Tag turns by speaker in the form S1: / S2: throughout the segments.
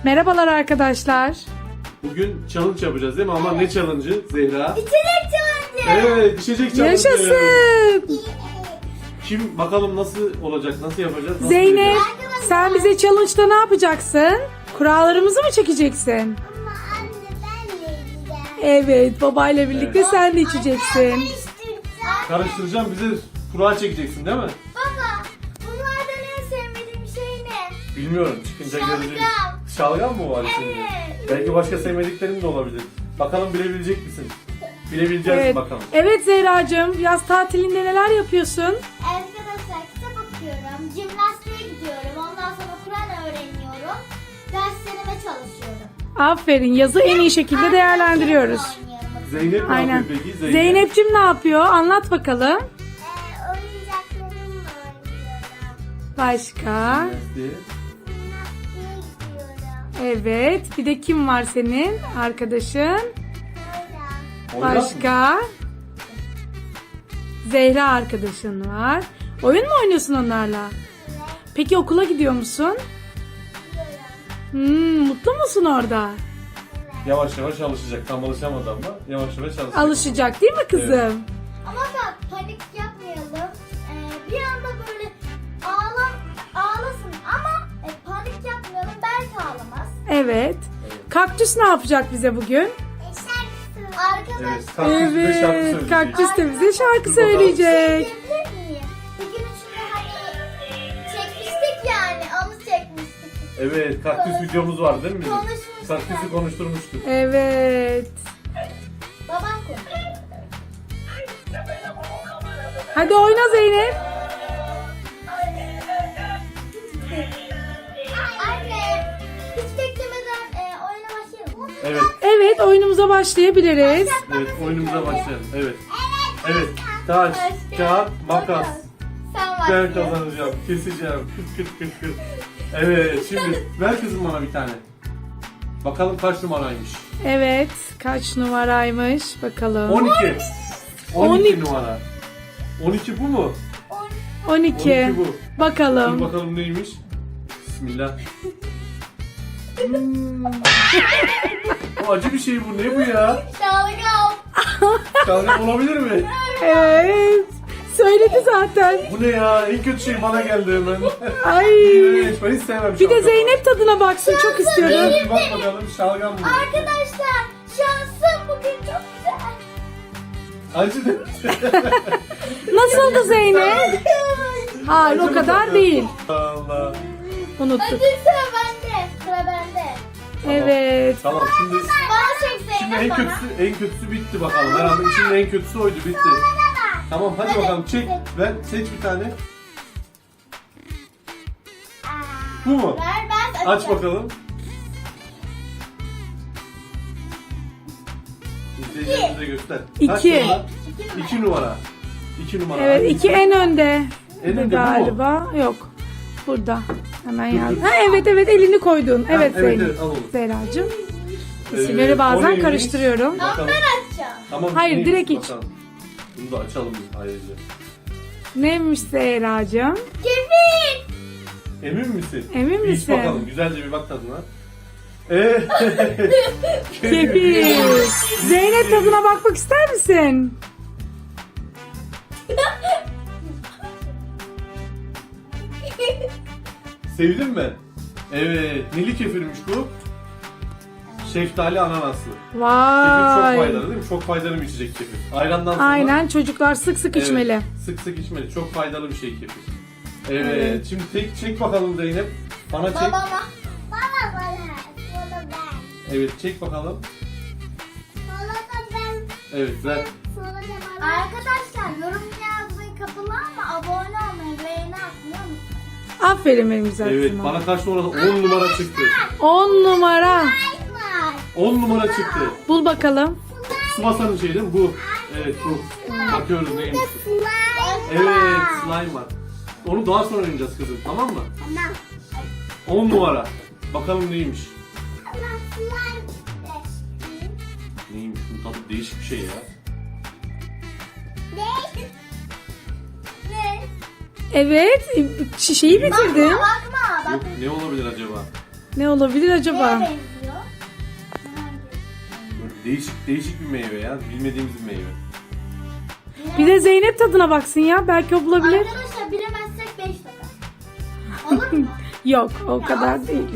S1: Merhabalar arkadaşlar.
S2: Bugün challenge yapacağız değil mi? Ama ne challenge'ı Zehra?
S3: İçecek challenge.
S2: Evet, içecek challenge.
S1: Yaşasın.
S2: Kim bakalım nasıl olacak, nasıl yapacağız? Nasıl
S1: Zeynep,
S2: yapacağız?
S1: sen bize challenge'da ne yapacaksın? Kurallarımızı mı çekeceksin?
S3: Ama anne ben de yiyeceğim.
S1: Evet, babayla birlikte
S2: Evet.
S1: sen de içeceksin.
S3: Karıştıracağım.
S2: Karıştıracağım, bize kura çekeceksin değil mi?
S3: Baba, bunlardan en sevmediğim şey ne?
S2: Bilmiyorum, çıkınca
S3: Şalgam.
S2: göreceğiz. Şalgam mı var içinde?
S3: Evet.
S2: Belki başka sevmediklerin de olabilir. Bakalım bilebilecek misin? Bilebileceğiz
S1: Evet.
S2: bakalım.
S1: Evet Zehracığım, yaz tatilinde neler yapıyorsun?
S3: Arkadaşlar kitap okuyorum, jimnastiğe gidiyorum, ondan sonra Kur'an öğreniyorum, derslerime çalışıyorum.
S1: Aferin, yazı en iyi şekilde değerlendiriyoruz.
S2: Zeynep ne
S1: Aynen.
S2: yapıyor peki?
S1: Zeynep'cim ne yapıyor? Anlat bakalım.
S3: Oyuncaklarımla oynuyorum.
S1: Başka?
S2: Jimnastiğe.
S3: Jimnastiğe gidiyorum.
S1: Evet, bir de kim var senin arkadaşın?
S3: Öyle.
S2: Oynar mı?
S1: Başka? Zehra arkadaşın var. Oyun mu oynuyorsun onlarla? Peki okula gidiyor musun? Mutlu musun orada?
S2: Yavaş yavaş alışacak. Tam alışamadı ama yavaş yavaş alışacak.
S1: Alışacak değil mi kızım?
S2: Evet.
S3: Ama bak panik yapmayalım. Bir anda böyle ağlasın ama panik yapmayalım, belki ağlamaz.
S1: Evet. Kaktüs ne yapacak bize bugün?
S2: Evet,
S3: Arkadaşlar
S2: kaktüs bize şarkı
S1: Evet,
S2: söyleyecek.
S1: kaktüs de bize şarkı
S2: Dur bakalım.
S1: söyleyecek.
S3: diyebilir miyim? Bir gün içinde hani çekmiştik yani, onu çekmiştik.
S2: Evet, kaktüs videomuz var değil mi bizim?
S3: Konuşmuştuk.
S2: Kaktüsü konuşturmuştuk.
S1: Evet.
S3: Babam konuşuyor.
S1: Hadi oyna Zeynep.
S3: Anne, hiç beklemeden oyuna başlayalım mı?
S2: Evet,
S1: Evet, oyunumuza başlayabiliriz.
S2: evet oyunumuza başlayalım. Evet. Evet, taş, kağıt, makas.
S3: Sen
S2: Ben
S3: başlıyorsun.
S2: kazanacağım, keseceğim. Kırt kırt kırt kırt. Evet, şimdi ver kızım bana bir tane. Bakalım kaç numaraymış?
S1: Evet, kaç numaraymış bakalım.
S2: 12. 12
S1: 12.
S2: numara. 12 bu mu?
S1: 12.
S2: 12 bu. Dur
S1: Bakalım.
S2: bakalım neymiş? Bismillah. O acı bir şey bu. Ne bu ya?
S3: Şalgam.
S2: Şalgam olabilir mi?
S1: Evet. Söyledi zaten.
S2: Bu ne ya? En kötü şey bana geldi hemen.
S1: Ay.
S2: Evet, ben hiç sevmem
S1: Bir de
S2: şalgamı.
S1: Zeynep tadına baksın, çok istiyorum.
S2: Bir bak bakalım şalgam mı?
S3: Arkadaşlar, şansım bugün çok güzel.
S2: Acı değil.
S1: Nasıldı Zeynep? Hayır, o kadar değil.
S2: Allah.
S1: Unuttuk.
S3: Hadi sıra bende. Sıra bende.
S1: Evet.
S2: Tamam şimdi
S3: Bana çek
S2: şimdi
S3: Zeynep
S2: en
S3: bana.
S2: kötüsü bitti bakalım. Herhalde içinde en kötüsü oydu, bitti. Tamam hadi
S3: Hadi,
S2: bakalım çek.
S3: çek.
S2: Ver seç bir tane. Bu mu?
S3: Ver, ben
S2: Aç
S3: açacağım.
S2: bakalım. İzleyicilerimize göster. Kaç
S1: 2.
S2: numara? 2 numara. 2 numara.
S1: Evet,
S2: Hangisi?
S1: 2 en önde.
S2: En önde bu mu?
S1: galiba. Yok. Burada. Hemen
S2: Dur,
S1: yazdım.
S2: dur.
S1: Ha, evet evet, elini koydun. Evet
S2: evet,
S1: Zeynep.
S2: evet, al onu.
S1: Zehracığım.
S2: Evet,
S1: İsimleri
S2: o
S1: bazen
S2: neymiş?
S1: karıştırıyorum.
S3: Ama
S2: Bakalım.
S3: ben açacağım.
S2: Tamam,
S1: Hayır,
S2: neymiş
S1: direkt iç.
S2: bakalım. Bunu da açalım biz ayrıca.
S1: Neymiş Zehracığım?
S3: Kefir.
S2: Emin misin?
S1: Emin
S2: Bir
S1: misin?
S2: İç bakalım. Güzelce bir bak tadına. Evet.
S1: Kefir. Zeynep, tadına bakmak ister misin?
S2: Sevdin mi? Evet. Neli kefirmiş bu? Şeftali ananaslı. Kefir çok
S1: Vay.
S2: faydalı değil mi? Çok faydalı bir içecek kefir. Ayrandan sonra.
S1: Aynen, çocuklar sık sık
S2: Evet,
S1: içmeli.
S2: Sık sık içmeli. Çok faydalı bir şey kefir. Evet.
S1: Evet.
S2: Şimdi çek bakalım Zeynep. Bana çek.
S3: Babama. Bana. Bana ben.
S2: Evet çek bakalım.
S3: Bana da ben.
S2: Evet ver.
S3: Arkadaşlar, yorum yazmayı kapılı ama abone olmayı, beğeni atmıyor musunuz?
S1: Aferin benim güzel
S2: Evet
S1: kızıma.
S2: bana kaç numara? 10 numara çıktı.
S1: 10 numara.
S3: Var.
S2: 10 numara çıktı.
S1: Bul bakalım.
S2: Subasanın şey değil mi? Bu. Evet bu. Bakıyoruz neymiş.
S3: Slime.
S2: Evet slime var. Onu daha sonra oynayacağız kızım, tamam mı?
S3: Tamam.
S2: 10 numara. Bakalım neymiş.
S3: Ama slime.
S2: Neymiş? Bu tadı değişik bir şey ya.
S3: Ne? Ne?
S1: Evet, şişeyi bitirdin.
S3: Bakma.
S2: Yok, ne olabilir acaba?
S1: Ne olabilir
S3: Neye
S1: acaba?
S3: benziyor? Hangi?
S2: Böyle değişik bir meyve ya. Bilmediğimiz bir meyve.
S1: Bir de Zeynep tadına baksın ya. Belki o bulabilir.
S3: Arkadaşlar bilemezsek 5 dakika. Olur mu?
S1: Yok o kadar değil.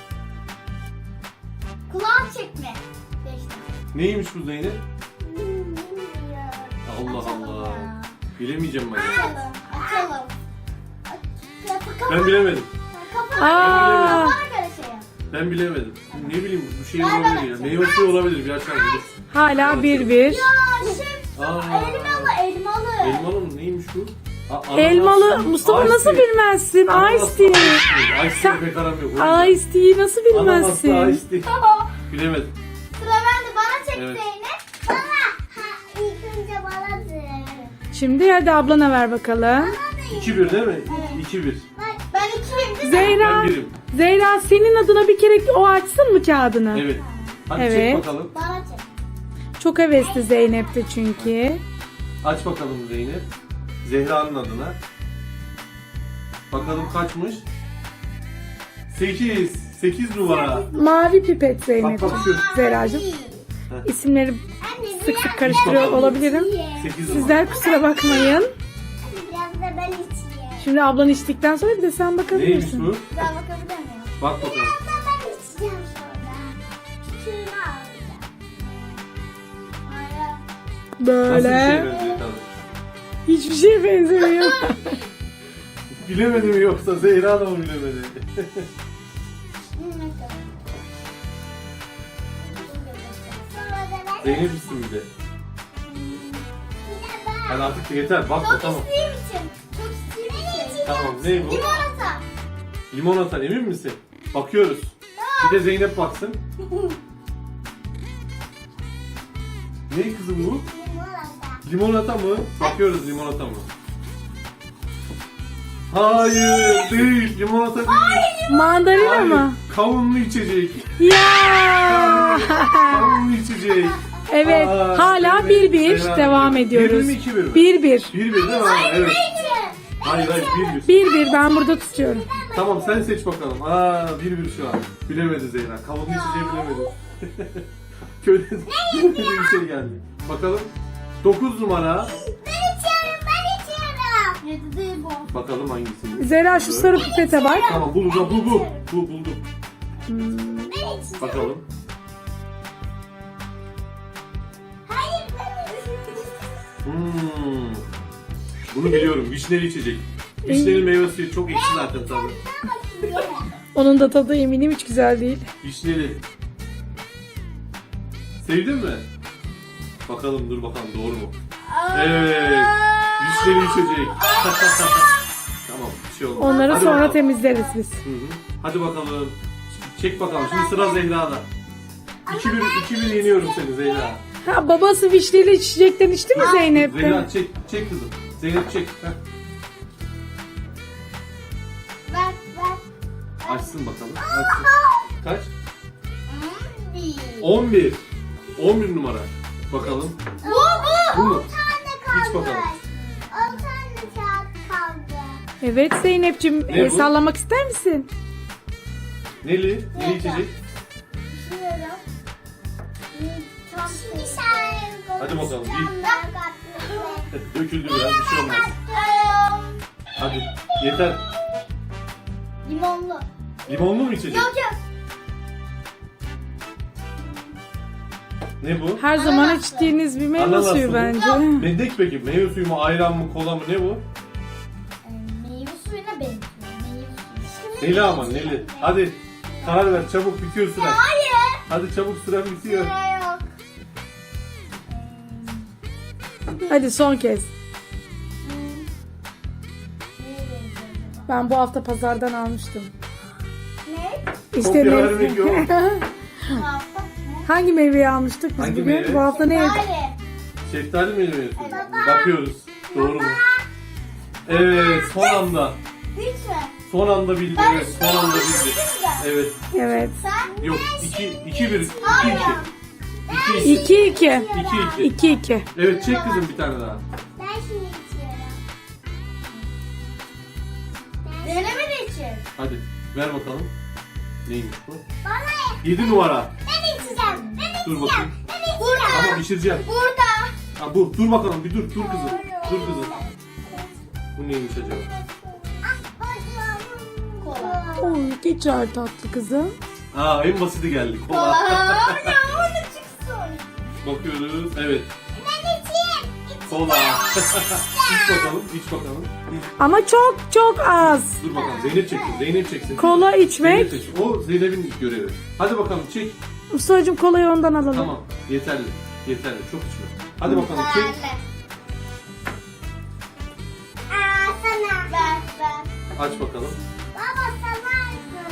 S3: Kulağım çekme. 5 dakika.
S2: Neymiş bu Zeynep?
S3: Bilmiyorum.
S2: Allah
S3: Açalım
S2: Allah.
S3: ya.
S2: Bilemeyeceğim ben.
S3: Açalım. Açalım.
S2: Ben bilemedim.
S1: Aa,
S3: Bana göre şey yap.
S2: Ben bilemedim. Ne bileyim bu şey
S3: Ver
S2: olabilir
S3: bana.
S2: ya. Meyve suyu olabilir. Bir açalım. Dur.
S1: hala 1-1.
S3: Ya şimdi
S2: Aa.
S3: elmalı.
S2: Elmalı mı? Neymiş bu? Ananas.
S1: Elmalı. Mustafa
S2: Ice
S1: nasıl
S2: tea.
S1: bilmezsin?
S2: Ananas,
S1: Ice tea.
S2: Ice tea pek aram yok. O yüzden.
S1: Ice tea'yi nasıl
S2: Ananaslı
S1: bilmezsin?
S2: ice tea. Bilemedim.
S3: Sıra bende. Bana çek
S2: Evet.
S3: Zeynep. Bana. Ha, ilk önce banadır.
S1: Şimdi hadi ablana ver bakalım.
S2: 2-1 değil mi? 2-1.
S3: Ben 2'yim değil mi?
S1: Zehra.
S2: Ben birim.
S1: Zehra senin adına bir kere o açsın mı kağıdını?
S2: Evet. Hadi
S1: Evet.
S2: çek bakalım.
S3: Bana çek.
S1: Çok hevesli Zeynep de çünkü.
S2: Aç bakalım Zeynep. Zehra'nın adına. Bakalım kaçmış? 8. 8 numara.
S1: Mavi pipet Zeynep.
S2: Bak, bak şu.
S1: Zehracığım. İsimleri
S3: Anne,
S1: sık sık karıştırıyor olabilirim.
S2: 8 numara.
S1: Sizler kusura bakmayın.
S3: Biraz da ben içeyim.
S1: Şimdi ablan içtikten sonra bir de sen
S2: Neymiş
S1: bakabilirsin.
S2: bu?
S3: Ben bakabilir miyim?
S2: Bak bakalım.
S3: Biraz da ben içeceğim sonra. Küçüğünü alacağım. Hayır.
S2: Nasıl bir şey
S1: Böyle.
S2: benziyor tadı?
S1: Hiçbir şeye benzemiyor.
S2: Bilemedi mi yoksa Zehra da mı bilemedi?
S3: Ne kadar? Sonra da ben
S2: Zeynep isim bir de.
S3: bir de ben.
S2: Hadi artık yeter. Bak
S3: Çok
S2: tamam.
S3: istediğim için. Çok istediğim için.
S2: Tamam ne bu?
S3: Limonata.
S2: Limonata emin misin? Bakıyoruz. Bir de Zeynep baksın. Ne kızım bu?
S3: Limonata.
S2: Limonata mı? Bakıyoruz limonata mı? Hayır değil. Limonata değil.
S1: Mandalina
S2: Hayır.
S1: mı?
S2: Kavunlu içecek.
S1: Ya.
S2: Kavunlu içecek.
S1: Evet.
S2: Aa,
S1: Hala
S2: Zeynep,
S1: 1-1
S2: Zehra
S1: devam
S2: bir.
S1: ediyoruz.
S2: 1-1 mi 2-1 mi?
S1: 1-1.
S2: 1-1 değil mi? Ha, evet. Hayır 1-1.
S1: 1-1 ben burada tutuyorum.
S2: Tamam sen seç bakalım. 1-1 şu an. Bilemedi Zehra. Kavunlu içeceği bilemedi. Köyde bilemediği bir şey geldi. Bakalım. 9 numara.
S3: Ben içiyorum, ben içiyorum. 7 değil bu.
S2: Bakalım hangisini.
S1: Zehra şu sarı pipete bak.
S2: Tamam bulacağım. Bu buldum.
S3: Ben içiyorum.
S2: Bakalım.
S3: Hayır ben içiyorum.
S2: Bunu biliyorum. Vişneli içecek. Vişneli meyve suyu çok ekşi zaten tadı.
S1: Onun da tadı eminim hiç güzel değil.
S2: Vişneli. Sevdin mi? Bakalım dur bakalım doğru mu? Evet. Vişneli içecek. Tamam bir şey olmaz.
S1: Onları
S2: Hadi
S1: sonra
S2: bakalım.
S1: temizleriz biz.
S2: Hı hı. Hadi bakalım. Çek bakalım. Şimdi sıra Zehra'da. 2-1 yeniyorum seni Zehra.
S1: Ha, babası vişneli içecekten içti mi Zeynep?
S2: Zehra çek kızım. Zeynep çek. Heh.
S3: Ver.
S2: Açsın bakalım. Açsın. Kaç?
S3: 11.
S2: 11. 11 numara. Bakalım. Bu mu?
S3: 10 tane
S2: İç
S3: kaldı.
S2: bakalım.
S3: 10 tane kağıt kaldı.
S1: Evet Zeynep'ciğim
S2: Ne bu?
S1: sallamak ister misin?
S2: Neli? Ne içecek?
S3: Düşünüyorum. Bir
S2: Hadi bakalım,
S3: bir.
S2: Döküldü biraz bir şey olmaz. Hadi yeter.
S3: Limonlu.
S2: Limonlu mu içecek?
S3: Yok.
S2: Ne bu?
S1: Her zaman içtiğiniz bir meyve
S2: Ananaslı
S1: suyu
S2: mı?
S1: bence.
S2: Mendek peki. Meyve suyu mu, ayran mı, kola mı ne bu?
S3: Meyve suyuna benziyor. Meyve suyu.
S2: Neli ama neli. Hadi karar ver çabuk bitiyor süren.
S3: Hayır.
S2: Hadi çabuk süren bitiyor.
S3: Yok.
S1: Hadi son kez.
S3: Neye benziyor acaba?
S1: Ben bu hafta pazardan almıştım.
S3: Ne?
S1: İşte
S2: Kopya
S1: ne?
S2: vermek yok.
S3: Ne?
S1: Hangi meyveyi almıştık biz
S2: Hangi
S1: bugün?
S2: meyve?
S1: Bu hafta ne yedik?
S3: Hayır.
S2: Şeftali mi yemiyorsun?
S3: Evet.
S2: Bakıyoruz. Doğru mu? Evet son anda.
S3: Hiç mi?
S2: Son anda bildi.
S3: Ben
S2: Evet, son anda bildi. Evet.
S1: Evet.
S3: Sen?
S2: Yok 2-1.
S3: Hayır.
S2: 2-2.
S1: 2-2.
S2: 2-2.
S1: 2-2.
S2: Evet çek kızım bir tane daha.
S3: Ben şimdi içiyorum. Deneme de için.
S2: Hadi ver bakalım. Neymiş bu?
S3: Bana
S2: 7 numara.
S3: ben içeceğim. Ben
S2: Dur
S3: içeceğim.
S2: bakayım.
S3: Ben içeceğim.
S2: Tamam içireceğim.
S3: Burada.
S2: Ha bu. Dur bakalım bir dur. Dur kızım. Dur kızım. Bu neymiş acaba?
S3: Kola.
S1: Oy, geçer tatlı kızım.
S2: Aa en basiti geldi.
S3: Kola.
S2: Kola.
S3: Ya orada çıksın.
S2: Bakıyoruz. Evet.
S3: Ben içeyim.
S2: Kola. İç bakalım. İç bakalım.
S1: Ama çok çok az.
S2: Dur bakalım. Zeynep çeksin. Zeynep çeksin.
S1: Kola
S2: Zeynep
S1: içmek.
S2: çeksin. O Zeynep'in görevi. Hadi bakalım çek.
S1: Mustafa'cığım kolayı ondan alalım.
S2: Tamam. Yeterli. Yeterli. Çok içme. Hadi bakalım çek.
S3: Aa sana. Ben.
S2: Aç bakalım.
S3: Baba sana.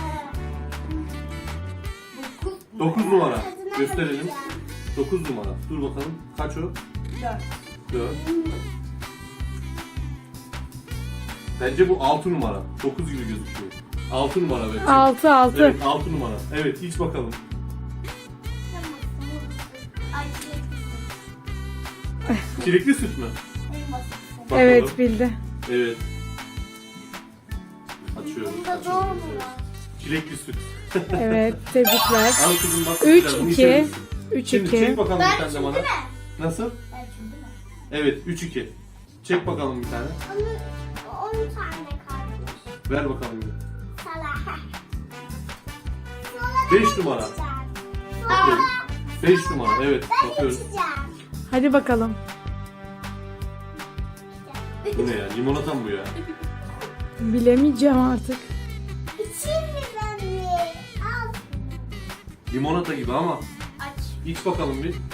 S2: 9 numara. Gösterelim. 9 numara. Dur bakalım. Kaç o? 4. Bence bu 6 numara. 9 gibi gözüküyor. 6 numara bence.
S1: 6.
S2: Evet 6 numara. Evet iç bakalım.
S3: Ay
S2: Çilekli süt mü?
S3: en basit.
S2: Bakalım.
S1: Evet bildi.
S2: Evet. Açıyoruz.
S3: Bunda
S2: açıyoruz.
S3: doğru mu?
S2: Çilekli süt.
S1: Evet tebrikler.
S2: Al kızım bak.
S1: 3,
S2: güzel, bunu
S1: 2.
S2: içebilirsin.
S1: 3
S2: Şimdi çek
S1: 2.
S2: bakalım
S3: Ben
S2: bir tane de
S3: şimdi
S2: bana.
S3: mi?
S2: Nasıl?
S3: Ben şimdi mi?
S2: Evet 3-2. Çek bakalım bir tane.
S3: 10 tane kalmış.
S2: Ver bakalım bir.
S3: Salah.
S2: 5 numara. 5 numara evet bakıyoruz.
S1: Hadi bakalım.
S2: Bu ne ya? Limonata mı bu ya?
S1: Bilemeyeceğim artık.
S3: İçeyim mi ben mi? Al.
S2: Limonata gibi ama
S3: Aç.
S2: iç bakalım bir.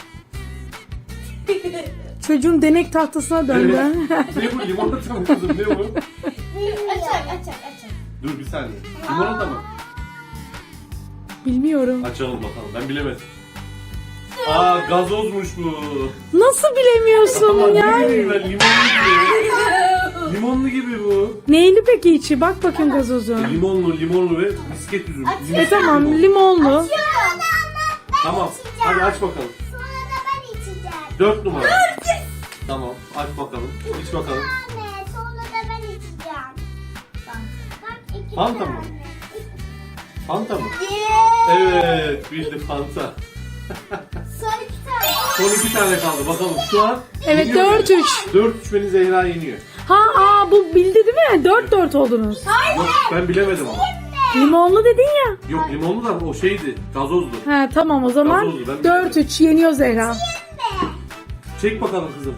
S1: Çocuğun denek tahtasına döndü.
S2: Evet. Ne bu limonata mı kızım ne bu?
S3: Açak.
S2: Dur bir saniye. Limonata mı?
S1: Bilmiyorum.
S2: Açalım bakalım ben bilemedim. Aa gazozmuş bu.
S1: Nasıl bilemiyorsun
S2: Ama ne
S1: ya?
S2: bileyim ben limonlu gibi. Limonlu gibi bu.
S1: Neyli peki içi? Bak bakayım gazozu.
S2: Limonlu ve misket üzüm.
S1: Tamam limonlu.
S2: Tamam hadi aç bakalım.
S3: Sonra da ben içeceğim.
S2: 4 numara. Tamam aç bakalım. İç bakalım.
S3: Anne, sonra da ben içeceğim. Bak 2
S2: Fanta
S3: tane.
S2: mı? Fanta mı?
S3: Yeah.
S2: Evet bildi Fanta.
S3: Son 2 tane.
S2: Son 2 tane kaldı bakalım şu an.
S1: Evet
S2: yeniyor
S1: 4-3.
S2: 4-3 beni Zehra yeniyor.
S1: Bu bildi değil mi? 4-4 oldunuz.
S2: Yok ben bilemedim ama.
S1: Limonlu dedin ya.
S2: Yok limonlu da o şeydi gazozdu.
S1: Ha tamam o zaman
S2: Gazozlu, ben
S1: 4-3 yeniyor Zehra.
S2: Çek bakalım kızım.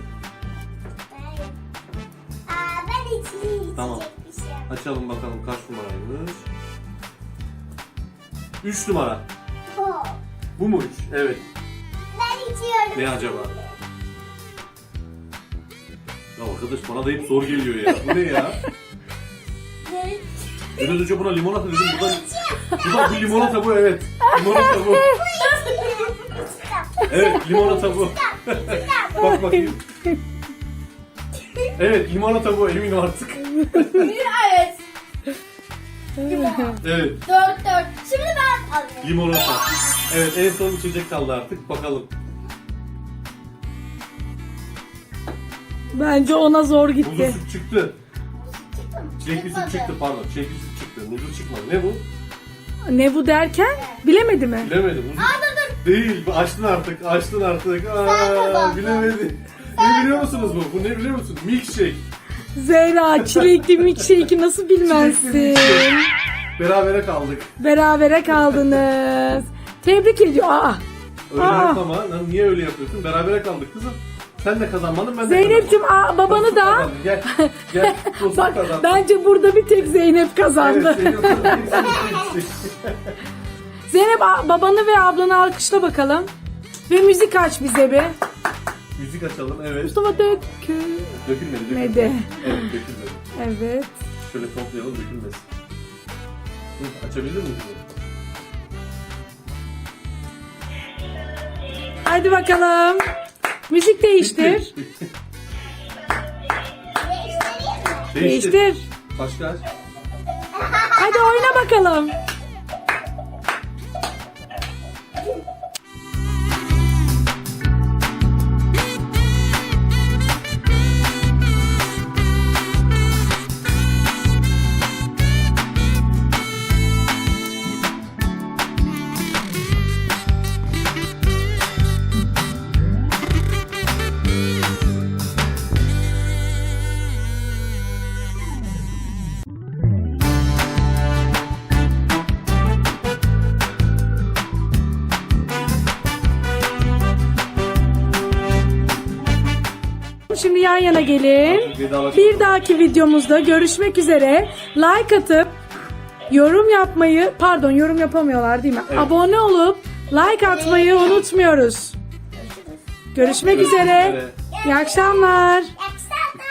S3: Ben içeyim.
S2: Tamam.
S3: Bir şey.
S2: Açalım bakalım kaç numaraymış. 3 numara.
S3: Oh,
S2: Bu mu 3? Evet.
S3: ben içiyorum.
S2: Ne acaba? Ya arkadaş bana da hep zor geliyor ya. Bu ne ya?
S3: Ne?
S2: Biraz önce buna limonata dedim. Bu da bir limonata bu evet. Limonata bu. Evet limonata bu. Bak bakayım. Evet limonata bu eminim artık.
S3: Evet.
S2: Evet
S3: 4. Şimdi ben alıyorum.
S2: limonata. Evet en son içecek kaldı artık bakalım.
S1: Bence ona zor
S2: Muzlu
S1: gitti.
S2: süt çıktı.
S3: Çıktı mı?
S2: Çilekli süt
S3: Çıkmadı.
S2: çıktı pardon. Çilekli süt çıktı. Muzlu çıkmadı. Ne bu?
S1: Ne bu derken? Bilemedi mi?
S2: Bilemedim. Muzlu...
S3: Dur.
S2: Değil. Açtın artık. Açtın artık.
S3: kazandın.
S2: Bilemedi. Ne biliyor musunuz bu? Bu ne biliyor musun? Milkshake.
S1: Zehra çilekli milkshake'i nasıl bilmezsin?
S2: Milkshake. Berabere kaldık.
S1: Berabere kaldınız. Tebrik ediyor.
S2: Öyle
S1: Aa.
S2: yapma. Lan niye öyle yapıyorsun? Berabere kaldık kızım. Sen de kazanmadın ben de
S1: Zeynep'cim
S2: kazanmadım.
S1: babanı
S2: Dostluk
S1: da.
S2: kazandın. Gel. Gel. Dostluk
S1: Bak
S2: kazandın.
S1: bence burada bir tek Zeynep kazandı.
S2: Evet, Zeynep kazandı.
S1: Zeynep babanı ve ablanı alkışla bakalım. Ve müzik aç bize bir.
S2: Müzik açalım. Evet.
S1: Mustafa dökülmedi.
S2: Dökülmedi. Evet dökülmedi.
S1: Evet.
S2: Şöyle toplayalım dökülmesin. Hı, açabilir miyim?
S1: Hadi bakalım. Müzik değiştir.
S2: Bitti.
S3: Değiştireyim mi?
S1: Değiştir.
S2: Başka aç.
S1: Hadi oyna bakalım. Şimdi yan yana gelin.
S2: Artık vedalaşalım.
S1: Bir dahaki videomuzda görüşmek üzere. Like atıp yorum yapmayı, pardon yorum yapamıyorlar değil mi?
S2: Evet.
S1: Abone olup like atmayı unutmuyoruz. Görüşmek üzere. İyi akşamlar.